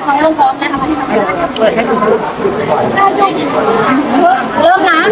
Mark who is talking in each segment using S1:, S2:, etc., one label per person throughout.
S1: เขาเริ่มพร้อมแล้วทำไมเปิดให้ดูเริ่มนะ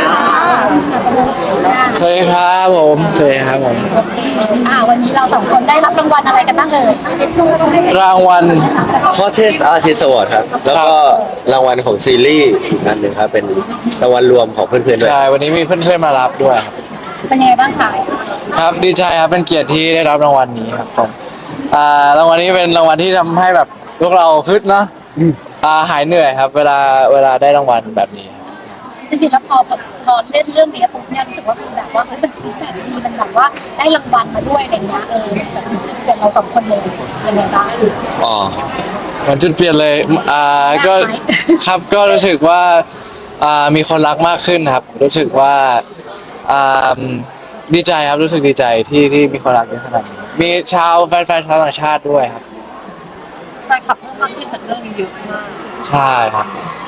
S2: สวัสดีครับผมสวัสดีครับผม
S1: วันนี้เราสองคนได้รับรางวัลอะไรกันบ้าง
S2: รางวัล
S3: Hottest Artist Award ครับแล้วก็รางวัลของซีรีส์อันหนึ่งครับเป็นรางวัลรวมของเพื่อนๆด้วย
S2: ใช่วันนี้มีเพื่อนๆมารับด้วยครับ
S1: เป็นยังไงบ้างคะ
S2: ครับดีใจครับเป็นเกียรติที่ได้รับรางวัลนี้ครับผมรางวัลนี้เป็นรางวัลที่ทำให้แบบพวกเราฮึดเนาะหายเหนื่อยครับเวลาได้รางวัลแบบนี้
S1: จริงๆแล้วพอเล่นเรื่องนี้ปุ๊บเนี่ยรู้สึกว่าคือแบบว่าเป็นฟีดแบ็กดีมันแบบว่าได้รางวัลมาด้วยอะไรเงี้ยจากเกิดเราสองคนเลยยังไงบ้าง
S2: อ๋อมันจุดเปลี่ยนเลยก็ครับก็รู้สึกว่ามีคนรักมากขึ้นครับรู้สึกว่าดีใจครับรู้สึกดีใจที่มีคนรักเยอะขนาดนี้มีชาวแฟนชาวต่างชาติด้วยครับ
S1: แฟนคลับเพิ่มมากขึ้นจากเรื่องนี้เยอะมาก
S2: ใช่ครับ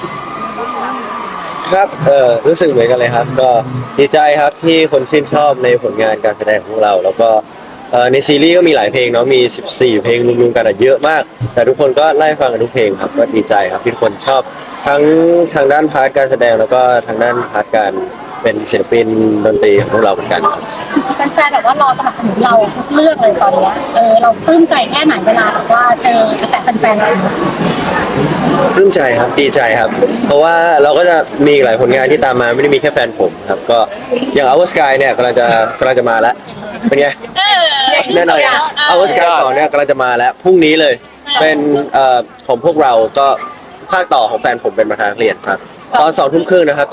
S3: ครับรู้สึกเหมือนกันเลยครับก็ดีใจครับที่คนชื่นชอบในผลงานการแสดงของเราแล้วก็ในซีรีส์ก็มีหลายเพลงเนาะมี14เพลงรวมๆกันเยอะมากแต่ทุกคนก็ไล่ฟังกันทุกเพลงครับก็ดีใจครับที่ทุกคนชอบทั้งทางด้านพาร์ทการแสดงแล้วก็ทางด้านพาร์ทการเป็นศิลปินดนตรีของพวกเราเหมือนกัน
S1: แฟนๆแบบว่ารอสนับสนุนเราทุกเรื่องเลยตอนนี้เราปลื้มใจแค่ไหนเวลาแบบว่าเจอกระแสแฟนๆเรา
S3: ปลื้มใจครับดีใจครับเพราะว่าเราก็จะมีหลายผลงานที่ตามมาไม่ได้มีแค่แฟนผมครับก็อย่าง Our Sky เนี่ยกำลังจะมาแล้วเป็นไงแน่นอน Our Sky 2เนี่ยกำลังจะมาแล้วพรุ่งนี้เลยเป็นของพวกเราก็ภาคต่อของแฟนผมเป็นประธานเรียนครับตอน2 ทุ่มครึ่งนะครับ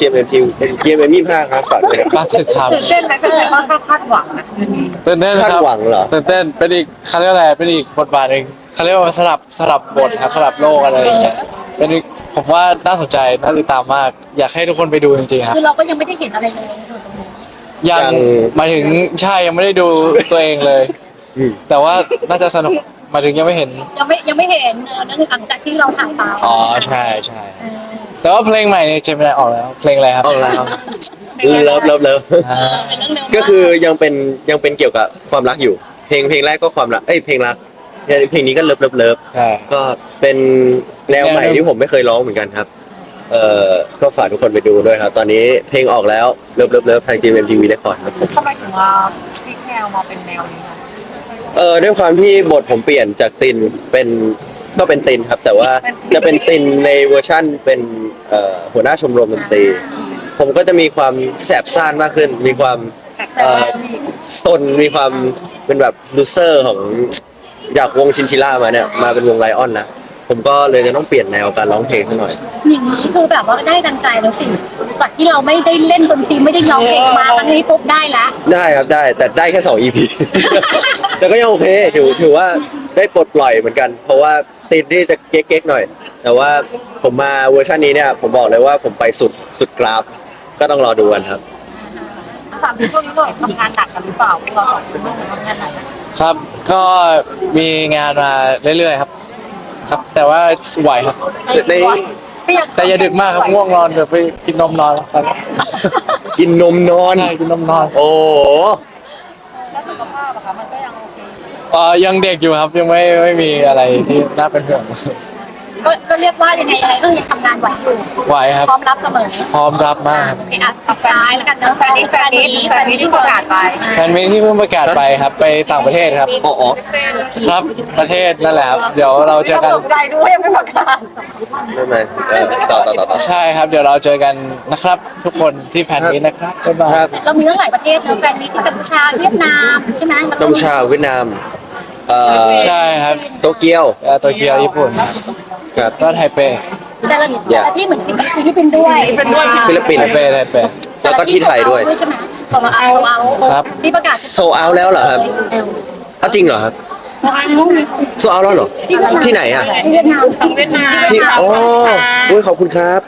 S3: GMM25 ครับฝากด้วย
S2: การติดตาม
S1: ตื่นเต้นไหมเป็นไงบ้างคาดหวังนะ
S2: ตื่นเต้นครับ
S3: คาดหวังเหรอ
S2: ตื่นเต้นเป็นอีกเขาเรียกอะไรเป็นอีกบทบาทหนึ่งเขาเรียกว่าสลับบทครับสลับโลกอะไรอย่างเงี้ยเป็นอีกผมว่าน่าสนใจน่าติดตามมากอยากให้ทุกคนไปดูจริงๆครับ
S1: คือเราก็ยังไม่ได้เห็นอะไรเลยในส่วนตรงนี้
S2: ยังหมายถึงใช่ยังไม่ได้ดูตัวเองเลยแต่ว่าน่าจะสนุกหมายถึงยังไม่เห็น
S1: ยังไม่เห็นนั่นหลังจากที่เราถ่ายไป
S2: อ๋อใช่ใช่แต่ว่าเพลงใหม่เนี่ยเจมินายออกแล้วเพลงอะไรครับ
S3: ออกแล้วเลิฟก็คือยังเป็นเกี่ยวกับความรักอยู่เพลงแรกก็ความรักเพลงรักเพลงนี้ก็เลิฟก็เป็นแนวใหม่ที่ผมไม่เคยร้องเหมือนกันครับก็ฝากทุกคนไปดูด้วยครับตอนนี้เพลงออกแล้วเลิฟทาง GMMTV Record ครับ
S1: ทำไมถึงว่าพลิกแนวมาเป็นแนวนี้
S3: ด้วยความที่บทผมเปลี่ยนจากตินก็เป็นตินครับแต่ว่าจะเป็นตินในเวอร์ชั่นเป็นหัวหน้าชมรมดนตรีผมก็จะมีความแสบซ่านมากขึ้นมีความสนมีความเป็นแบบลูเซอร์ของจากวงชินชิล่ามาเนี่ยมาเป็นวงไลออนนะผมก็เลยจะต้องเปลี่ยนแนวการร้องเพลงซะหน่อย
S1: อย่างนี้คือแบบว่าได้ดังใจแล้วสิจากที่เราไม่ได้เล่นดนตรีไม่ได้ร้องเพลงมาครั้งนี้ปุ๊บได้ละ
S3: ได้ครับได้แต่ได้แค่2 EP แต่ก็ยังโอเคถือว่าได้ปลดปล่อยเหมือนกันเพราะว่าติดนี่จะเก๊กๆหน่อยแต่ว่าผมมาเวอร์ชันนี้เนี่ยผมบอกเลยว่าผมไปสุดกราฟก็ต้องรอดูกันครับ
S1: ถามช่วงนี้หน่อยทำงานหนักกันหรือเปล่าเราทำงานหนัก
S2: ครับก็มีงานมาเรื่อยๆครับแต่ว่าไหวครับแต่อย่าดึกมากครับง่วงนอนเดี๋ยวไปกินนมนอนครับ
S3: กินนมนอน
S2: ใช่กินนมนอน
S3: โอ้
S1: แล้วสุขภาพอะคะมันก็ยังโอ
S2: เคยังเด็กอยู่ครับยังไม่มีอะไรที่น่าเป็นห่วง
S1: ก็เรียกว่ายังไงก็ยังทำงานไหวอยู่
S2: ไหวครับ
S1: พร้อมรับเสมอ
S2: พร้อมรับมาก
S1: แฟนนี้แล้วกันเนอะแฟนนี้ที่ประกาศไป
S2: แฟนมีที่เพิ่งประกาศไปครับไปต่างประเทศครับ
S3: อ๋อ
S2: ครับประเทศนั่นแหละครับเดี๋ยวเราเจอกัน
S1: ตกใจด้วยยังไม่ประกาศ
S3: ไม่ต่อ
S2: ใช่ครับเดี๋ยวเราเจอกันนะครับทุกคนที่แฟนนี้นะครับบ๊ายบาย
S1: เรามีตั้งหลายประเทศนะแฟนนี้ที่กัมพูชาเวียดนามใช่ไหม
S3: กัมพูชาเวียดนาม
S2: ใช่ครับ
S3: โตเกียว
S2: ญี่ปุ่น
S3: ครับ
S2: ก็ไทเป
S1: แต่ละที่เหมือนฟิลิปปินส์ด้วย
S3: ฟิลิปปินส์
S2: ไทเป
S3: แล้วก็ที่ไทยด้วย
S1: ใช่ไหมโซเอา
S2: ครับ
S1: ที่ประกาศ
S3: โซเอาแล้วเหรอครับจริงเหรอครับโซเอาแล้วเหรอที่ไหนอ่ะ
S1: ที่เวียดนาม
S3: ที่ขอบคุณครับ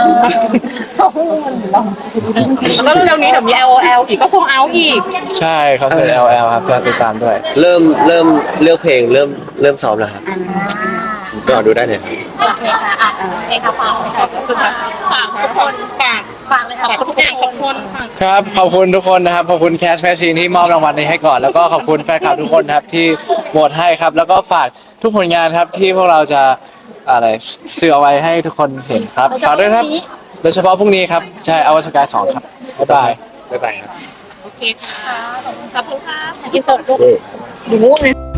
S1: แล้วเร็วนี้เดี๋ยวมี LOL อีกก็คงเอาอีก
S2: ใช่คอนเสิร์ต LOL ครับจะติดตามด้วย
S3: เริ่มเลือกเพลงเริ่มซ้อมแล้วครับก็ดูได้เลย
S1: โอเคค่ะโอเคค่ะฝากทุกคนฝากเลยค่ะทุกอย่างทุกคน
S2: ครับขอบคุณทุกคนนะครับขอบคุณแคสแมชชีนที่มอบรางวัลนี้ให้ก่อนแล้วก็ขอบคุณแฟนคลับทุกคนครับที่โหวตให้ครับแล้วก็ฝากทุกผลงานครับที่พวกเราจะอะไรสื่อเอาไว้ให้ทุกคนเห็นครับฝากด้วยครับโดยเฉพาะพรุ่งนี้ครับใช่อวสกาย2ครับบ๊ายบาย
S3: บ๊ายบายครับ
S1: โอเคค่ะขอบคุณค่ะอินเสิร์ตลูกดูง่วงนะ